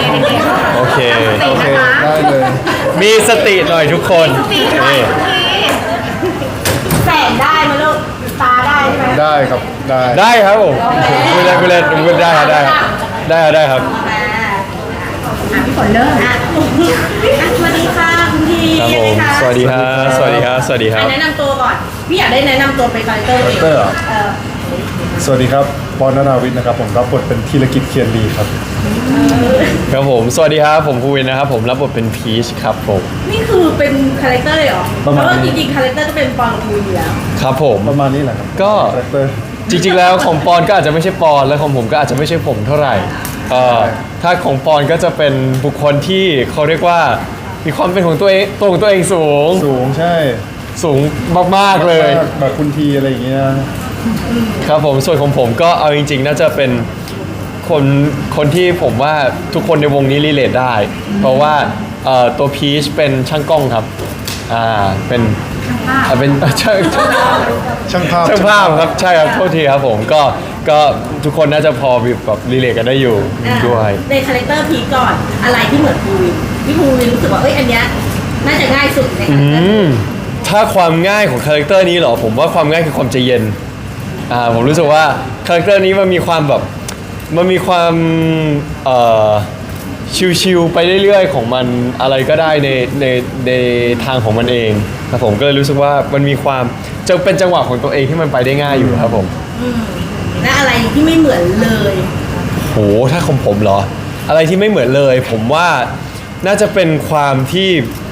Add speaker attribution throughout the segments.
Speaker 1: โอเค
Speaker 2: โอเคได้เลย
Speaker 1: มีสติหน่อยทุกคนนี่
Speaker 3: แสงได้ไหมลูกตาได้ใช่ไหม
Speaker 2: ได้ครับได้
Speaker 1: ได้ครับผมคุณเล่นคุณเล่นคุณได้ครับได้ครับได้ครับ
Speaker 3: พี่ฝนเริ่มสวัสดีค่ะคุณที
Speaker 1: ครับผมสวัสดีครับสวัสดีครับสวัสดีครับ
Speaker 3: แนะนำตัวก่อนพี่อยากได้แนะนำตัวเป็นคาแรคเตอร์
Speaker 2: คาแรคเตอร์เหรอสวัสดีครับปอนนาวิทย์นะครับผมรับบทเป็นธีรกิจเคียนดีครับ
Speaker 1: ครับผมสวัสดีครับผมภูวินนะครับผมรับบทเป็นพีชครับผม
Speaker 3: นี่คือเป็นคาแรคเตอร์เลยเหรอ
Speaker 2: ประ
Speaker 3: เพ
Speaker 2: มาณ
Speaker 3: ราะว่า
Speaker 2: นี้
Speaker 3: จริงๆคาแรคเตอร์ก็เป็นปอนกับภูอยู่แล้ว
Speaker 1: ครับผม
Speaker 2: ประมาณนี้แหละครับ
Speaker 1: ก็
Speaker 2: คาแรคเตอร์
Speaker 1: จริงๆแล้วของปอนก็อาจจะไม่ใช่ปอนและของผมก็อาจจะไม่ใช่ผมเท่าไหร่ถ้าของปอนก็จะเป็นบุคคลที่เขาเรียกว่ามีความเป็นของตัวเองตัวของตัวเองสูง
Speaker 2: สูงใช่
Speaker 1: สูงมากๆเลย
Speaker 2: แบบคุณทีอะไรอย่างเงี้ย
Speaker 1: ครับผมส่วนของผมก็เอาจริงๆน่าจะเป็นคนที่ผมว่าทุกคนในวงนี้รีเลทได้ เพราะว่าตัวพีชเป็นช่างกล้องครับเป็นช่าง
Speaker 2: ช่างภาพ
Speaker 1: ช่างภาพครับใช่ครับโทษทีครับผมก็ทุกคนน่าจะพอแบบรีเลทกันได้อยู่ด้วย
Speaker 3: ในคาแรคเตอร์พีก่อนอะไรที่เหมือนภูวินพี่ภูวินรู้สึกว่าเอ้ยอันเนี้ยน่าจะง่ายสุดในคาแรคเตอร์
Speaker 1: ถ้าความง่ายของคาแรคเตอร์นี้เหรอผมว่าความง่ายคือความใจเย็นผมรู้สึกว่าคาแรคเตอร์นี้มันมีความแบบมันมีความชิลๆไปเรื่อยๆของมันอะไรก็ได้ในทางของมันเองครับผมก็เลยรู้สึกว่ามันมีความจะเป็นจังหวะของตัวเองที่มันไปได้ง่ายอยู่ครับผม
Speaker 3: และอะไรที่ไม่เหมือนเลย
Speaker 1: โหถ้าของผมเหรออะไรที่ไม่เหมือนเลยผมว่าน่าจะเป็นความที่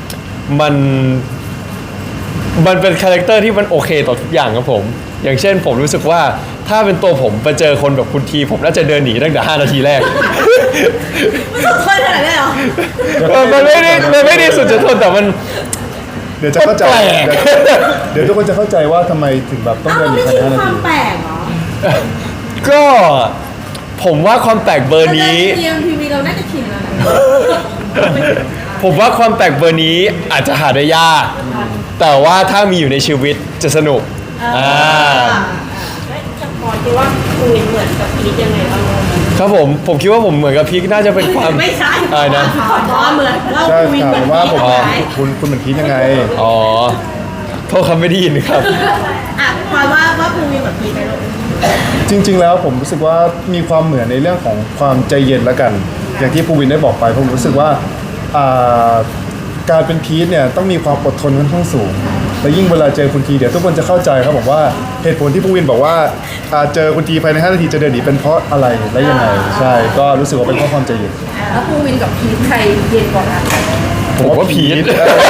Speaker 1: มันเป็นคาแรคเตอร์ที่มันโอเคต่อทุกอย่างครับผมอย่างเช่นผมรู้สึกว่าถ้าเป็นตัวผมไปเจอคนแบบคุณทีผมน่าจะเดินหนีตั้งแต่5 นาทีแรก
Speaker 3: สุดคนขนาดนั้นเหรอ
Speaker 1: มันไม่ได้สุดจะทนแต่มัน
Speaker 2: เดี๋ยวจะเข้าใจ
Speaker 1: แปลก
Speaker 2: เดี๋ยวทุกคนจะเข้าใจว่าทำไมถึงแบบต้อง
Speaker 3: อ้าว
Speaker 2: เดิน
Speaker 3: มัน
Speaker 2: อีก
Speaker 3: ไม่
Speaker 2: ภายใน5นาที
Speaker 3: ใช่ความแปลกเหรอ
Speaker 1: ก็ผมว่าความแปลกเบอร์นี้
Speaker 3: เรียนทีวีเราน่าจะชินแล้วนะ
Speaker 1: ผมว่าความแปลกเบอร์นี้อาจจะหาได้ยาก แต่ว่าถ้ามีอยู่ในชีวิตจะสนุก
Speaker 3: จะพอคิดว่าภูวินเหมือนกับพีทยังไงบ้าง
Speaker 1: ครับผมคิดว่าผมเหมือนกับพีคน่าจะเป็นความ
Speaker 3: ไม่ใช่
Speaker 1: อะไรนะ
Speaker 3: ขอเหมือนว่า
Speaker 2: ใช่
Speaker 3: ภูวิน
Speaker 2: ถา
Speaker 3: เหมือ
Speaker 2: ม
Speaker 3: น
Speaker 2: ว่าผม
Speaker 3: พีทไหม
Speaker 2: คุณเหมือนพีทยังไง
Speaker 1: อ๋อโทษครับไม่ได้ยินครับ
Speaker 3: อ่ะความว่าภูวินเหมือนพีทไหมลูก
Speaker 2: จริง ๆ แล้วผมรู้สึกว่ามีความเหมือนในเรื่องของความใจเย็นแล้วกัน อย่างที่ภูวินได้บอกไปผมรู้สึกว่าอ่าการเป็นพีทเนี่ยต้องมีความอดทนค่อนข้างสูง และยิ่งเวลาเจอคุณทีเดี๋ยวทุกคนจะเข้าใจครับผมว่าเหตุผลที่ภูวินบอกว่าเจอคุณทีภายใน5 นาทีจะเดินหนีเป็นเพราะอะไรและยังไงใช่ก็รู้สึกว่าเป็นเพราะความใจเย็น
Speaker 3: แล้วภูวินกับพีทใครเย็นกว่ากัน
Speaker 1: ผมว่าพีท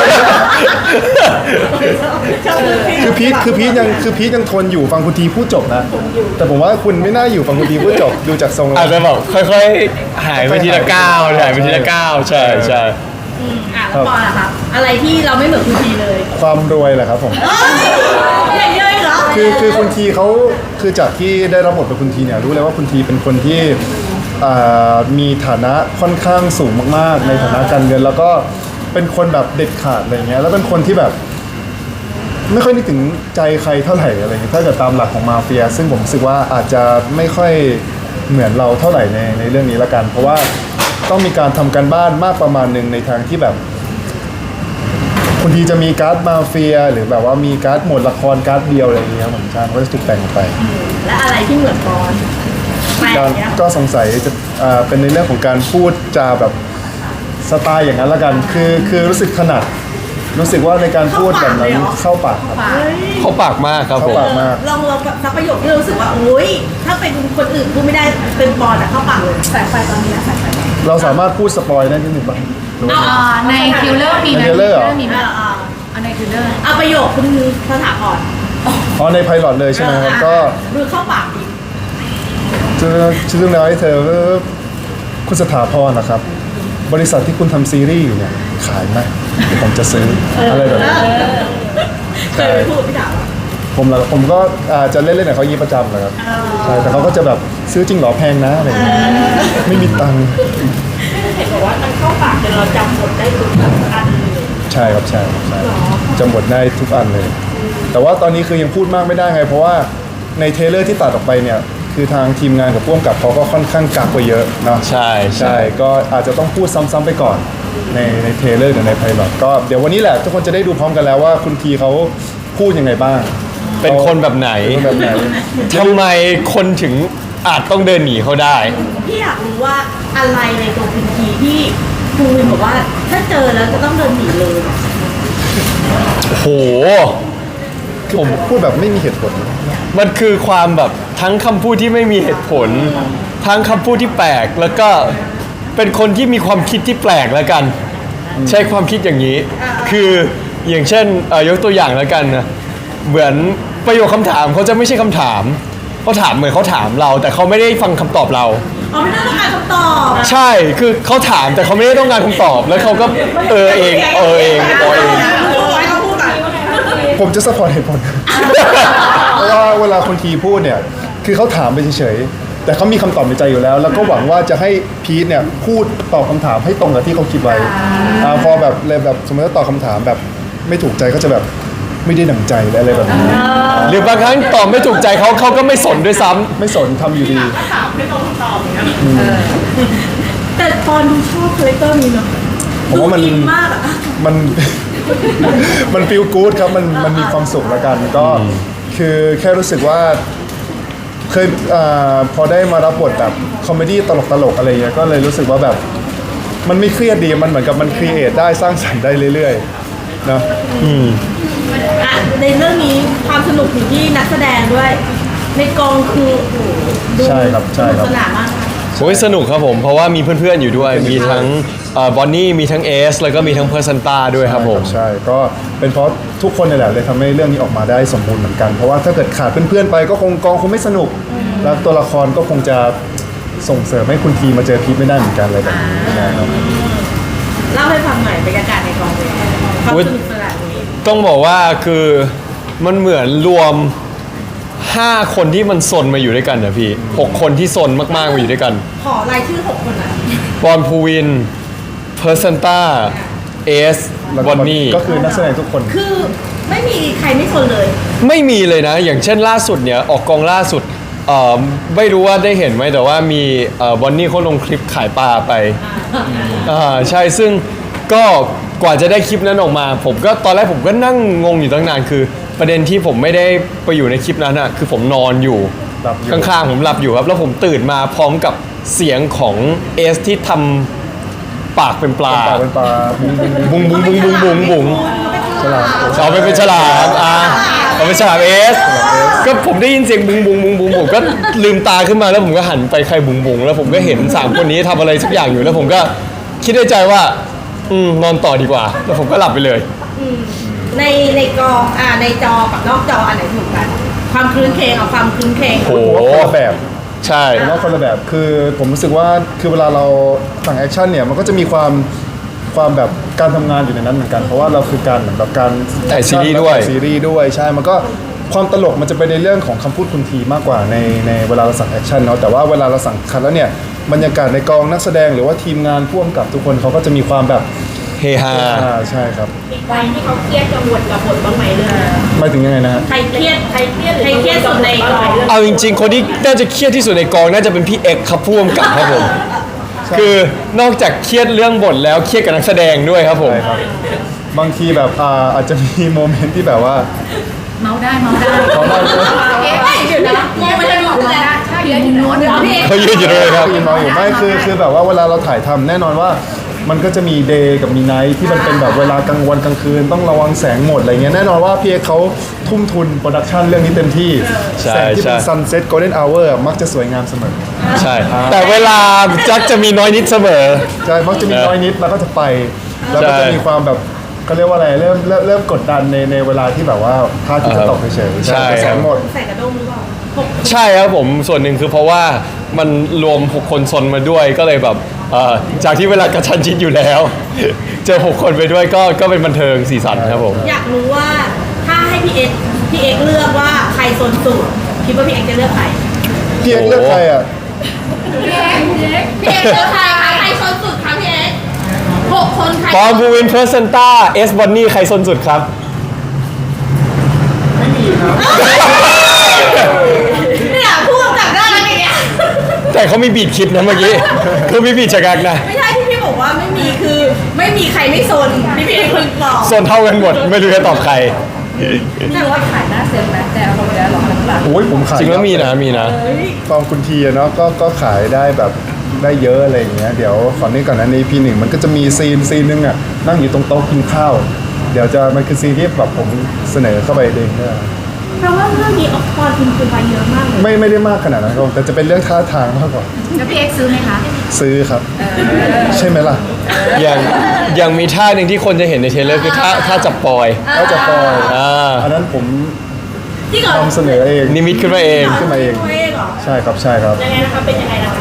Speaker 2: คือพีทยังทนอยู่ฟังคุณทีพูดจบนะ แต่ผมว่าคุณไม่น่าอยู่ฟังคุณทีพูดจบดูจากทรงแล้
Speaker 1: อาจ
Speaker 2: ว
Speaker 1: จะแบบค่อยๆหายไปทีละก้าวหายไปทีละก้าวใช่ใช่
Speaker 3: อ่ะแล้วปอล่ะครับอะไรที่เราไม่เหมือนคุณทีเลย
Speaker 2: ความรวยแหละครับผม
Speaker 3: อย่างเยอะเหรอ
Speaker 2: คือคุณทีเขาคือจากที่ได้รับบทเป็นคุณทีเนี่ยรู้เลยว่าคุณทีเป็นคนที่มีฐานะค่อนข้างสูงมากๆ ในฐานะการเงินแล้วก็เป็นคนแบบเด็ดขาดอะไรเงี้ยแล้วเป็นคนที่แบบ ไม่ค่อยนึกถึงใจใครเท่าไหร่อะไรเงี้ยถ้าเกิดตามหลักของมาเฟีย ซึ่งผมรู้สึกว่าอาจจะไม่ค่อยเหมือนเราเท่าไหร่ในเรื่องนี้ละกัน เพราะว่าต้องมีการทำการบ้านมากประมาณหนึ่งในทางที่แบบบางทีจะมีการ์ดมาเฟีย หรือแบบว่ามีการ์ดหมวดละครการ์ดเดียวอะไรอย่างเงี้ยผมใช่ก็จะถูกแต่งออกไป
Speaker 3: และอะไรที่เหมือนปอนแปลกเนี่ย
Speaker 2: ก็สงสัยจะเป็นในเรื่องของการพูดจาแบบสไตล์อย่างนั้นละกัน คือรู้สึกถนัดรู้สึกว่าในการพูดแบบนั้นเข้าปากครับ
Speaker 1: เขาปากมากครับผม
Speaker 2: เข้าปากมาก
Speaker 3: ลองสักประโยคที่เรารู้สึกว่าโอ้ยถ้าเป็นคนอื่นพูดไม่ได้เป็นปอนอะเข้าปากเลยสายไฟตอนนี้นะสายไฟ
Speaker 2: เราสามารถพูดสปอยได้นิดหนึ่งป่ะหรือว่าไง
Speaker 4: ในคิลเลอร์มีไหม
Speaker 2: ใน Thriller เหรอ
Speaker 4: มีไหมเอาในคิลเลอร์
Speaker 3: เอาประโยคคุณสถาพร
Speaker 2: อ๋อในไพลอตเลยใช่ไหมครับก็
Speaker 3: ดูเข้าปากดี
Speaker 2: ชื่อเรื่องราวให้เธอคุณสถาพรนะครับ บริษัทที่คุณทำซีรีส์อยู่เนี่ยขายไหมเดี๋ยวผมจะซื้ออะไรแบบนี้
Speaker 3: เคยพูดพี่ถาม
Speaker 2: ผมก็จะเล่นๆกับเขายี่ประจำแหละครับใช่แต่เขาก็จะแบบซื้อจริงเหรอแพงนะอะไรอย่างเงี้ยไม่มีตังค์
Speaker 3: เห็นบอกว่ามันเข้าปากจนเราจำหมดได้ทุกอันเลย
Speaker 2: ใช่ครับใช่จำบทได้ทุกอันเลย แต่ว่าตอนนี้คือยังพูดมากไม่ได้ไง เพราะว่าในเทรลเลอร์ที่ตัดออกไปเนี่ยคคือทางทีมงานกับผู้กำกับเขาก็ค่อนข้างกักไว้เยอะเนาะ
Speaker 1: ใช่
Speaker 2: ใช่ก็อาจจะต้องพูดซ้ำๆไปก่อนในเทรลเลอร์หรือในไพลอตก็เดี๋ยววันนี้แหละทุกคนจะได้ดูพร้อมกันแล้วว่าคุณทีเขาพูดยังไงบ้าง
Speaker 1: เป็นคนแบบไหน
Speaker 2: เป็นคนแบบไหน
Speaker 1: ทำไมคนถึงอาจต้องเดินหนีเขาได้
Speaker 3: พี่อยากรู้ว่าอะไรในตัวคุณทีที่ครูวินบอกว่าถ้าเจอแล้วจะต้องเดินหนีเลย
Speaker 1: โห
Speaker 2: ผมพูดแบบไม่มีเหตุผล
Speaker 1: มันคือความแบบทั้งคำพูดที่ไม่มีเหตุผล ทั้งคำพูดที่แปลก แล้วก็เป็นคนที่มีความคิดที่แปลกแล้วกัน ใช้ความคิดอย่างนี้ คืออย่างเช่นยกตัวอย่างแล้วกันนะเหมือนประโยคคำถามเขาจะไม่ใช่คำถามเขาถามเหมือนเขาถามเรา แต่เขาไม่ได้ฟังคำตอบเรา
Speaker 3: อ๋อไม่ต้องการคำตอบ
Speaker 1: ใช่คือเขาถามแต่เขาไม่ได้ต้องการคำตอบ แล้วเขาก็เองเอง
Speaker 3: เขาพูดก่อน
Speaker 2: ผมจะสปอร์ตเหตุผล เพราะว่าเวลาคนทีพูดเนี่ยคือเขาถามไปเฉยๆแต่เขามีคำตอบในใจอยู่แล้ว แล้วก็หวังว่าจะให้พีทเนี่ยพูดตอบคำถามให้ตรงกับที่เขาคิดไว้พอแบบเลยแบบสมมติว่าตอบคำถามแบบไม่ถูกใจก็จะแบบไม่ได้ดั่งใจและอะไรแบบนี้
Speaker 1: หรือบางครั้งตอบไม่ถูกใจเขาก็ไม่สนด้วยซ้ำ
Speaker 2: ไม่สนทำอยู่ดี
Speaker 3: แต่ตอนดูชอบคาแรคเตอร์นี้เนาะ
Speaker 2: ผมว่ามัน
Speaker 3: ดูอิมากอะ
Speaker 2: มัน มันฟีลกู๊ดครับมันมีความสุขแล้วกันก็คือแค่รู้สึกว่าเคยพอได้มารับบทแบบคอมเมดี้ตลกๆอะไรเงี้ยก็เลยรู้สึกว่าแบบมันไม่เครียดดีมันเหมือนกับมันครีเอทได้สร้างสรรค์ได้เรื่อยๆเนาะ
Speaker 3: อ่ะในเรื่องนี้ความสนุกอยู่ที่นักแสดงด้วย ในกองคือโอ้โหดู
Speaker 2: ใช่ครับใช่ครับ
Speaker 3: สนานมากค่ะ
Speaker 1: โอ้ยสนุกครับผม เพราะว่ามีเพื่อนๆอยู่ด้วย มีทั้งบอนนี่มีทั้งเอสแล้วก็มีทั้งเพอร์ซันต้าด้วยครับผม
Speaker 2: ใช่ก็เป็นเพราะทุกคนนี่แหละเลยทำให้เรื่องนี้ออกมาได้สมบูรณ์เหมือนกัน เพราะว่าถ้าเกิดขาดเพื่อนๆไปก็คงกองคงไม่สนุก แล้วตัวละครก็คงจะส่งเสริมให้คุณทีมาเจอพีทไม่ได้เหมือนกันอะไรแบบนี้นะครับ
Speaker 3: เล่าให้ฟังหน่อยบรรยากาศในกองเป็นยังไงความสนุกสนานนี้
Speaker 1: ต้องบอกว่าคือมันเหมือนรวม 5 คนที่มันซนมาอยู่ด้วยกันนะพี่ 6 คนที่ซนมากๆมาอยู่ด้วยกัน
Speaker 3: ขอรายชื่อ6คนนะ
Speaker 1: บอลพูวินเพอร์ซันต้าเอส
Speaker 2: แล้ว
Speaker 1: บอนนี่
Speaker 2: ก็คือนักแสดงทุกคน
Speaker 3: คือไม่มีใครไม่คนเลย
Speaker 1: ไม่มีเลยนะ อย่างเช่นล่าสุดเนี่ยออกกองล่าสุดไม่รู้ว่าได้เห็นไหมแต่ว่ามีบอนนี่เขาลงคลิปขายปลาไปใช่ซึ่งก็กว่าจะได้คลิปนั้นออกมา ผมก็ตอนแรกผมก็นั่งงงอยู่ตั้งนานคือ ประเด็นที่ผมไม่ได้ไปอยู่ในคลิปนั้นอะคือผมนอนอยู่
Speaker 2: หลับอยู่
Speaker 1: ข้างๆผมหลับอยู่ครับ แล้วผมตื่นมาพร้อมกับเสียงของเอสที่ทำปากเป็นปลา
Speaker 2: เป็นปลาบุ้ง
Speaker 1: บุ้งบุ้งบุ้งบุ้งบุ้งบุ้ง
Speaker 2: ฉลาด
Speaker 1: เอาไปเป็นฉลามเอาเป็นฉลามเอสก็ผมได้ยินเสียงบุ้งบุ้งบุ้งบุ้งผมก็ลืมตาขึ้นมาแล้วผมก็หันไปใครบุ้งบุ้งแล้วผมก็เห็น3 คนนี้ทำอะไรสักอย่างอยู่แล้วผมก็คิดในใจว่านอนต่อดีกว่า แล้วผมก็หลับไปเลย
Speaker 3: ในกองในจอกับนอกจออันไหนถูกกัน ความคลื้นเคงเอาความคลื้นเคง
Speaker 1: โอ้โห
Speaker 2: ผมว่าคนละแบบ
Speaker 1: ใช่
Speaker 2: ผมว่าคนละแบบคือผมรู้สึกว่าคือเวลาเราสั่งแอคชั่นเนี่ยมันก็จะมีความแบบการทำงานอยู่ในนั้นเหมือนกัน เพราะว่าเราคือการเหมือนแบบการ
Speaker 1: ถ่ายซีรีส์ด้วย
Speaker 2: ถ่าซีรีส์ด้วยใช่มันก็ความตลกมันจะเป็นในเรื่องของคำพูดคุณทีมากกว่าในเวลาเราสั่งแอคชั่นเนาะแต่ว่าเวลาเราสั่งคัดแล้วเนี่ยบรรยากาศในกองนักแสดงหรือว่าทีมงานพ่วงกับทุกคนเขาก็จะมีความแบบ
Speaker 1: เฮฮา
Speaker 2: ใช่ครับ
Speaker 3: อีกวันที่เขาเครียดกังวลกับบทบ้างไหมเลย
Speaker 2: หมายถึงยังไงนะฮะ
Speaker 3: ใครเครียดสุดในกอง
Speaker 1: เอาจริงๆ คนที่น่าจะเครียดที่สุดในกองน่าจะเป็นพี่เอกครับพ่วงกับครับผมคือนอกจากเครียดเรื่องบทแล้วเครียดกับนักแสดงด้วยครับผม
Speaker 2: ใช่ครับบางทีแบบอาจจะมีโมเมนต์ที่แบบว่า
Speaker 4: เมาได้เมาได้
Speaker 2: เขาเล่า
Speaker 3: เดี๋ยวนะมองไปทางนู้นเลย
Speaker 4: ใช่ยืนอยู่โน้น
Speaker 3: พี่เอก
Speaker 1: เขายืนอยู่เลยครับ
Speaker 2: ยินมาอยู่ไม่คือแบบว่าเวลาเราถ่ายทำแน่นอนว่า มันก็จะมีเดย์กับมีไนท์ที่มันเป็นแบบเวลากลางวันกลางคืนต้องระวังแสงหมดอะไรเงี้ยแน่นอนว่าพี่เอกเขาทุ่มทุนโปรดักชันเรื่องนี้เต็มที่
Speaker 1: ใช่
Speaker 2: แสงที่เป็น
Speaker 1: ใช่
Speaker 2: Sunset Golden Hour มักจะสวยงามเสมอ
Speaker 1: ใช่ แต่เวลาจักจะมีน้อยนิดเสมอ
Speaker 2: ใช่มักจะมีน้อยนิดแล้วก็จะไป แล้วก็จะมีความแบบเขาเรียกว่าอะไรเริ่มกดดันในเวลาที่แบบว่าพระอาทิตย์จะตกเฉยๆ
Speaker 1: ใช่
Speaker 2: แสงหมด
Speaker 3: ใส่กระด้งหรือเปล่า
Speaker 1: ใช่ครับผมส่วนหนึ่งคือเพราะว่ามันรวม6 คนซนมาด้วยก็เลยแบบจากที่เวลากระชันชิดอยู่แล้ว เจอ6 คนไปด้วยก็เป็นบันเทิงสีสันครับผม
Speaker 3: อยากรู้ว่าถ้าให้พี่เอกเลือกว่าใครโซนสุดคิดว่าพี่เอกจะเลือกใคร
Speaker 2: พี่เอกเลือกใครอ่ะ
Speaker 3: พี่เอกเลือกใครคะใครโซนสุดคะพี่เอก6 คนใคร
Speaker 1: ปอมบูวินเพอร์เซนต้าเอสบอนนี่ใครซนสุดครับ
Speaker 3: เนี่ยพูดกับน่ารักอีก
Speaker 1: แต่เขามีบีดคิดนะเมื่อกี้คือมีบีดชะกักนะ
Speaker 3: ไม่ใช่ที่พี่บอกว่าไม่มีคือไม่มีใครไม่โซนพี่เป็นคนบอก
Speaker 1: ส่วนเท่ากันหมดไม่รู้จะตอบใคร
Speaker 4: แต่ว่าขายหน้าเซ็นไหมแต่เอาไปแล้วหรอหลัง
Speaker 2: โอ้ยผมขาย
Speaker 1: จริงแล้วมีนะ
Speaker 2: ตอนคุณทีอะเนาะก็ขายได้แบบได้เยอะอะไรอย่างเงี้ยเดี๋ยวขอนี้ก่อนนะใน EP 1มันก็จะมีซีนนึงอ่ะนั่งอยู่ตรงโต๊ะกินข้าว เดี๋ยวจะมันคือซีนที่แบบผมเสนอเข้าไปเองเนี่ย
Speaker 3: เพราะว่าเรื่องนี้ออกตอนคุณคือไปเยอะมากเลย
Speaker 2: ไม่ได้มากขนาดนั้นครับแต่จะเป็นเรื่องท่าทางมากกว่า
Speaker 4: แล้วพี่เอ็กซ์ซื้อไหมคะ
Speaker 2: ซื้อครับ ใช่ไหมล่ะ
Speaker 1: อย่างมีท่าหนึ่งที่คนจะเห็นในเทรลเลอร์คือท่าจับปอย
Speaker 2: ก็จะปล่อย
Speaker 1: อ่า
Speaker 2: นนั้นผม
Speaker 3: ที่ก่อน
Speaker 2: ทำเสนอเอง
Speaker 1: นิมิตขึ้นมาเอง
Speaker 2: ขึ้นมาเอง
Speaker 3: ตัวเองเหรอ
Speaker 2: ใช่ครับใช่ครับ
Speaker 3: ยังไงนะคะเป็นยังไงนะคะ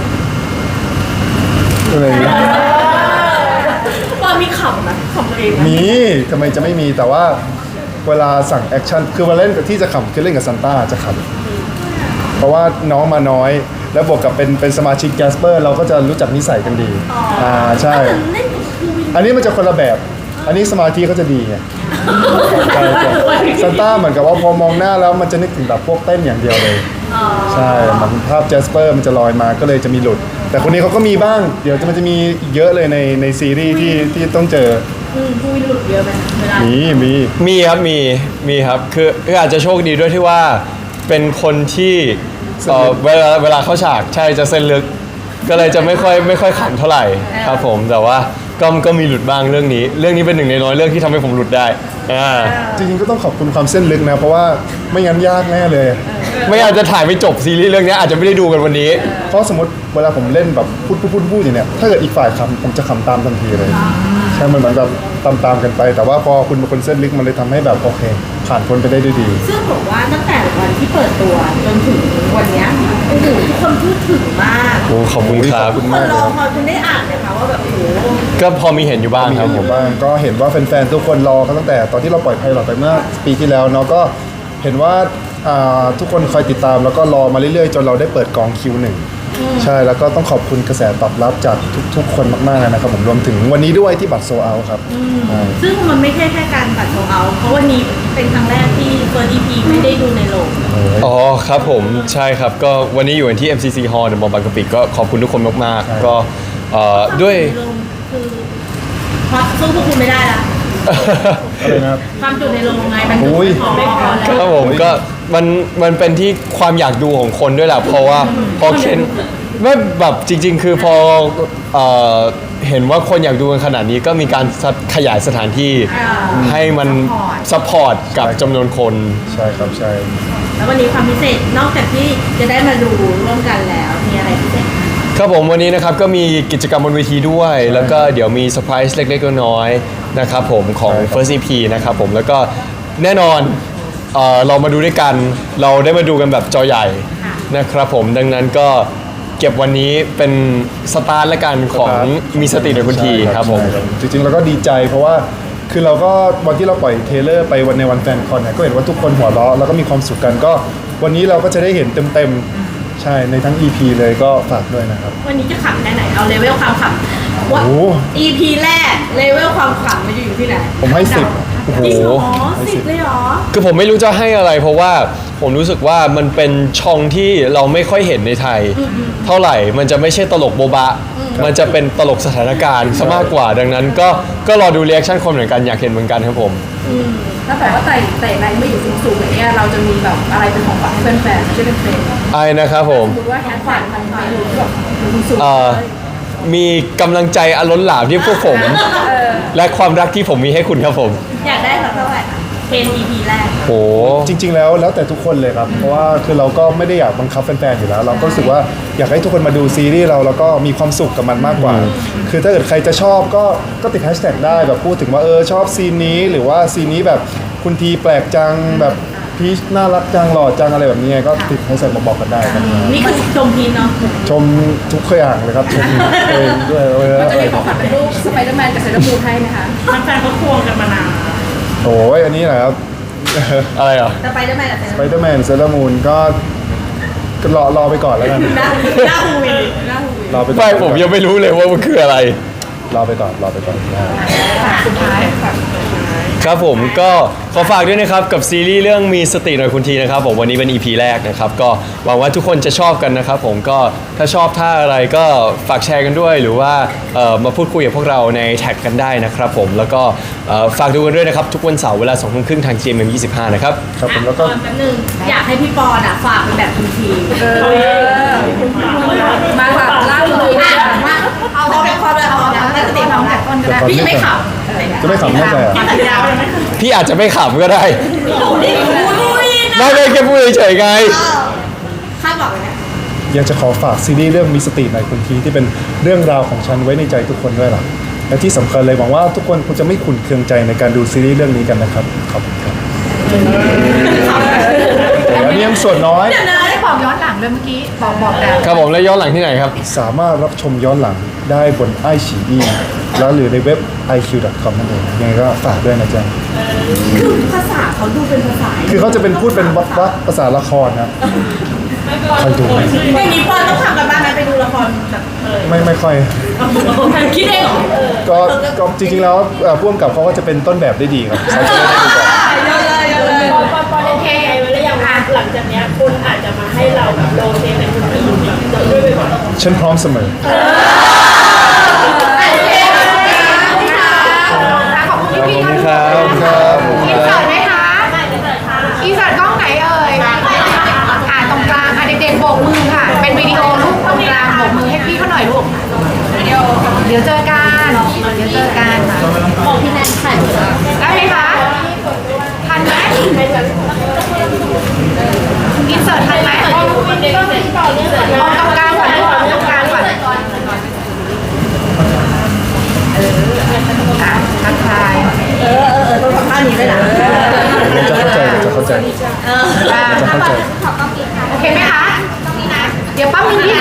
Speaker 2: อะไรอย่างเงี้ย
Speaker 3: ตอนมีขำนะขำตัวเองนะ
Speaker 2: มีทำไมจะไม่มีแต่ว่าเวลาสั่งแอคชั่นคือเวลาเล่นกับที่จะขำคือเล่นกับซันต้าจะขำเพราะว่าน้องมาน้อย แล้วบวกกับเป็นสมาชิกแกสเปอร์เราก็จะรู้จักนิสัยกันดีใช่
Speaker 3: เล่นกับครูวิน
Speaker 2: อันนี้มันจะคนละแบบ อันนี้สมาธิเขาจะดีไงใช่ซันต้าเหมือนกับว่าพอมองหน้าแล้วมันจะนึกถึงแบบพวกเต้นอย่างเดียวเลย ใช่มันภาพแจสเปอร์มันจะลอยมาก็เลยจะมีหลุด แต่คนนี้เขาก็มีบ้าง เดี๋ยวมันจะมีอีกเยอะเลยในซีรีส์ที่ต้องเจอ
Speaker 3: ครูวินหลุดเยอะไหมเวลา
Speaker 2: มี
Speaker 1: ครับมีครับคืออาจจะโชคดีด้วยที่ว่าเป็นคนที่เวลาเข้าฉากใช่จะเส้นลึก ก็เลยจะไม่ค่อยขำเท่าไหร่ครับผมแต่ว่าก็มีหลุดบ้างเรื่องนี้เป็นหนึ่งในน้อยเรื่องที่ทำให้ผมหลุดได้
Speaker 2: จริงๆก็ต้องขอบคุณความเส้นลึกนะ เพราะว่าไม่งั้นยากแน่เลย
Speaker 1: ไม่อาจจะถ่ายไม่จบซีรีส์เรื่องนี้อาจจะไม่ได้ดูกันวันนี้
Speaker 2: เพราะสมมติเวลาผมเล่นแบบพูดอย่างเนี้ยถ้าเกิดอีกฝ่ายขำผมจะขำตามทันทีเลยใช่มันเหมือนกับตามกันไป แต่ว่าพอคุณเป็นคนเส้นลึกมันเลยทำให้แบบโอเค ผ่านพ้นไปได้ด้วยดี
Speaker 3: ซึ่งผมว่าตั้งแต่วันที่เปิดตัวจนถึงวันเนี้ยโอ้โหทุกคนพูดถึงมาก
Speaker 1: โอ้ขอบคุณครับ
Speaker 2: ขอบคุณ
Speaker 3: คน
Speaker 2: มาก
Speaker 3: ร
Speaker 2: เล
Speaker 3: อย พอคุณได้อ่านนะคะว่าแบบโอ้โห
Speaker 1: ก็พอมีเห็นอยู่บ้าง
Speaker 2: มี
Speaker 1: ครับ
Speaker 2: อ
Speaker 1: ผม
Speaker 2: ยู่บ้างก็เห็นว่าแฟนๆทุกคนรอกันตั้งแต่ตอนที่เราปล่อยไพลอตไปเมื่อปีที่แล้วเนาะก็เห็นว่าทุกคนคอยติดตามแล้วก็รอมาเรื่อยๆ จนเราได้เปิดกองคิวหนึ่งใช่แล้วก็ต้องขอบคุณกระแสตอบรับจากทุกๆคนมากๆเลยนะครับผมรวมถึงวันนี้ด้วยที่บัตรโซเอาครับใช่
Speaker 3: ซึ่งมันไม่ใช่แค่การบัตรโซเอาเพราะวันนี้เป็นครั้งแรกที่เฟิร์ส EP ไม่ได้ดูในโรง
Speaker 1: อ๋อครับผมใช่ครับก็วันนี้อยู่ที่ MCC Hall เดอะมอลล์บางกะปิก็ขอบคุณทุกคนมากๆก็ด้วย
Speaker 3: ในโรงคือเพราะสู้พวกคุณไม่ได้ละ
Speaker 2: อะไรนะครับ
Speaker 3: ความจุในโรงไงมัน
Speaker 2: โอ้ย
Speaker 3: ไม่พอแล้ว
Speaker 1: ครับผมก็มันเป็นที่ความอยากดูของคนด้วยแหละเพราะว่าพอเคนไม่แบบจริง ๆ คือพอเห็นว่าคนอยากดูกันขนาดนี้ก็มีการขยายสถานที่ให้มันซัพพอร์ตกับจำนวนคน
Speaker 2: ใช่ครับใช่
Speaker 3: แล้ววันนี้ความพิเศษนอกจากที่จะได้มาดูร่วมกันแล้วมีอะไรพิเศษ
Speaker 1: ครับผมวันนี้นะครับก็มีกิจกรรมบนเวทีด้วย แล้วก็เดี๋ยวมีเซอร์ไพรส์เล็กๆน้อยๆนะครับผมของ First EP นะครับผมแล้วก็แน่นอนเรามาดูด้วยกันเราได้มาดูกันแบบจอใหญ่นะครับผมดังนั้นก็เก็บวันนี้เป็นสตาร์ทและกันของมีสติในคุณทีครับผม
Speaker 2: ใช่จริงๆเราก็ดีใจเพราะว่าคือเราก็วันที่เราปล่อยเทรลเลอร์ไปวันในวันแฟนคอนเนี่ยก็เห็นว่าทุกคนหัวเราะแล้วก็มีความสุขกันก็วันนี้เราก็จะได้เห็นเต็มๆใช่ในทั้ง EP เลยก็ฝากด้วยนะครับ
Speaker 3: วันนี้จะขำแค่ไหนเอาเลเวลความขำว่า
Speaker 2: โอ้
Speaker 3: EP แรกเลเวลความขำมันจะอยู่ที่ไหน
Speaker 2: ผมให้10โอ้โห
Speaker 3: จริงเหรอ10เลยเหรอ
Speaker 1: คือผมไม่รู้จะให้อะไรเพราะว่าผมรู้สึกว่ามันเป็นช่องที่เราไม่ค่อยเห็นในไทย เท่าไหร่มันจะไม่ใช่ตลกโบบะ มันจะเป็นตลกสถานการณ์ซะมากกว่า ดังนั้นก็รอดูเรีแอคชั่นคนเหมือนกันอยากเห็นเหมือนกันครับผม
Speaker 4: ถ้าแบบว่าไต่ไรไม่อยู่สูงๆอย่างเงี้ยเราจะมีแบบอะไรเป็นของขวัญให้แฟนๆไม่ใช่เป็นเฟรนด์
Speaker 1: ไอ้นะครับผม
Speaker 4: สมมติว่าแฮชแท็กมันไปอยู่แบบสูง
Speaker 1: มีกำลังใจอล้นหลามที่พวกผม และความรักที่ผมมีให้คุณครับผม
Speaker 3: อยากได้สักเท่าไหร่คะเป็น EP แรก
Speaker 1: โห
Speaker 2: จริงๆแล้วแต่ทุกคนเลยครับ เพราะว่าคือเราก็ไม่ได้อยากบังคับแฟนๆอยู่แล้ว เราก็รู้สึกว่าอยากให้ทุกคนมาดูซีรีส์เราแล้วก็มีความสุขกับมันมากกว่า คือถ้าเกิดใครจะชอบก็ติดแฮชแท็กได้แบบพูดถึงว่าชอบซีนนี้หรือว่าซีนนี้แบบคุณทีแปลกจังแบบพีชน่ารักจังหล่อจังอะไรแบบนี้ไงก็ติดแฮชแท็กมาบอกกันได้ครับ
Speaker 3: นี่คือชมพีนเนาะ
Speaker 2: ชมทุกอย่างเลยครับชมตัวเองด้วย
Speaker 4: ๆมันจะมีของขวัญเป็นรูปสไปเดอร์แมนกับเซเลอร์มูนให้ไหมคะ
Speaker 3: แฟนๆเขาควงกันมานาน
Speaker 2: โอ้ยอันนี้แหละครับ
Speaker 1: อะไรอ่ะ
Speaker 3: แต่ไปได้ไหมล่ะ
Speaker 2: สไปเดอร์แมนเซเลอร์มูนก็รอไปก่อนแล้วกัน
Speaker 3: หน้าฮูวินหน้าฮูวิน
Speaker 2: รอไปก่อน
Speaker 1: ไม่ผมยังไม่รู้เลยว่ามันคืออะไร
Speaker 2: รอไปก่อน
Speaker 4: สุดท้ายค่ะ
Speaker 1: ครับผมก็ขอฝากด้วยนะครับกับซีรีส์เรื่องมีสติหน่อยคุณทีนะครับผมวันนี้เป็น EP แรกนะครับก็หวังว่าทุกคนจะชอบกันนะครับผมก็ถ้าชอบท่าอะไรก็ฝากแชร์กันด้วยหรือว่ามาพูดคุยกับพวกเราในแท็กกันได้นะครับผมแล้วก็ฝากดูกันด้วยนะครับทุกวันเสาร์เวลา 20:30 ทาง GMM25 นะครับ
Speaker 2: ครับผมแล้วก็
Speaker 3: แป๊บนึงอยากให้พี่ปอนอ่ะฝากเป็นแบบคุณที
Speaker 4: มาแบบล่าสุดเลย
Speaker 3: อ่ะมาเอาแบบความเลยเอาแบบตั้งสติพร้อมกัน
Speaker 4: ต้นก็ได้
Speaker 3: พี่จะไม่ขับ
Speaker 2: จะไม่ขำแน่ใจอ่ะ
Speaker 3: พี่สัญญาเลยไหม
Speaker 1: พี่อาจจะไม่ขำก็ได้
Speaker 3: ดูดิดูดินะ
Speaker 1: ไม่แค่พูดเฉยๆไง
Speaker 3: คาดหวังเลยนะ
Speaker 2: อยากจะขอฝากซีรีส์เรื่องมีสติหน่อยคุณทีที่เป็นเรื่องราวของฉันไว้ในใจทุกคนด้วยล่ะและที่สำคัญเลยหวังว่าทุกคนคงจะไม่ขุ่นเคืองใจในการดูซีรีส์เรื่องนี้กันนะครับขอบคุณครับแต่อันนี้ยังส่วนน้อย
Speaker 4: ได้บอกย้อนหลังด้วยเมื่อกี้บอกแต่
Speaker 1: ครับผมแล้วย้อนหลังที่ไหนครับ
Speaker 2: สามารถรับชมย้อนหลังได้บนไอฉีอีแล้วหรือในเว็บ iq.com นั่นเองยังไงก็ฝากด้วยนะจ๊ะ
Speaker 3: คือภาษาเขาดูเป็นภาษา
Speaker 2: คือเขาจะเป็นพูดเป็นวักภาษาละครนะคอยดูไหม
Speaker 3: อย่างนี้ปอนต้องทำกันบ้างไหมไปดูละครแบบ
Speaker 2: ไม่ค่อย
Speaker 3: คิดเองเหรอ
Speaker 2: ก็จริงๆแล้วพ่วงกับเขาก็จะเป็นต้นแบบได้ดีครับเขาจะได้ดูก่อน
Speaker 3: เยอะเลยเยอะเลย
Speaker 5: ปอนโอเคไว้แล้วยังหลังจากเนี้ยคุณอาจจะมาให้เราแบบโรเทเป็นคนอื่นด้วยบ่อยๆ
Speaker 2: ฉันพร้อมเสมอ
Speaker 4: ขอบคุณ
Speaker 1: ขอบ
Speaker 4: พี่
Speaker 1: คุณ
Speaker 4: ๆ
Speaker 1: ครับ
Speaker 2: ครับ
Speaker 4: อินเสิร์ตไหมคะอินเสิร์ตกล้องไหนเอ่ยตรงกลางเด็กๆโบกมือค่ะ เป็นวิดีโอลูกตรงกลางโบกมือให้พี่เขาหน่อยลูกเดี๋ยวเจอกันค่ะ
Speaker 3: บอกพี่แนนถ่ายรูป
Speaker 4: ได้ไหมคะทันไหมอินเสิร์ตทันไหมเอาตรงกลางก่อนลูก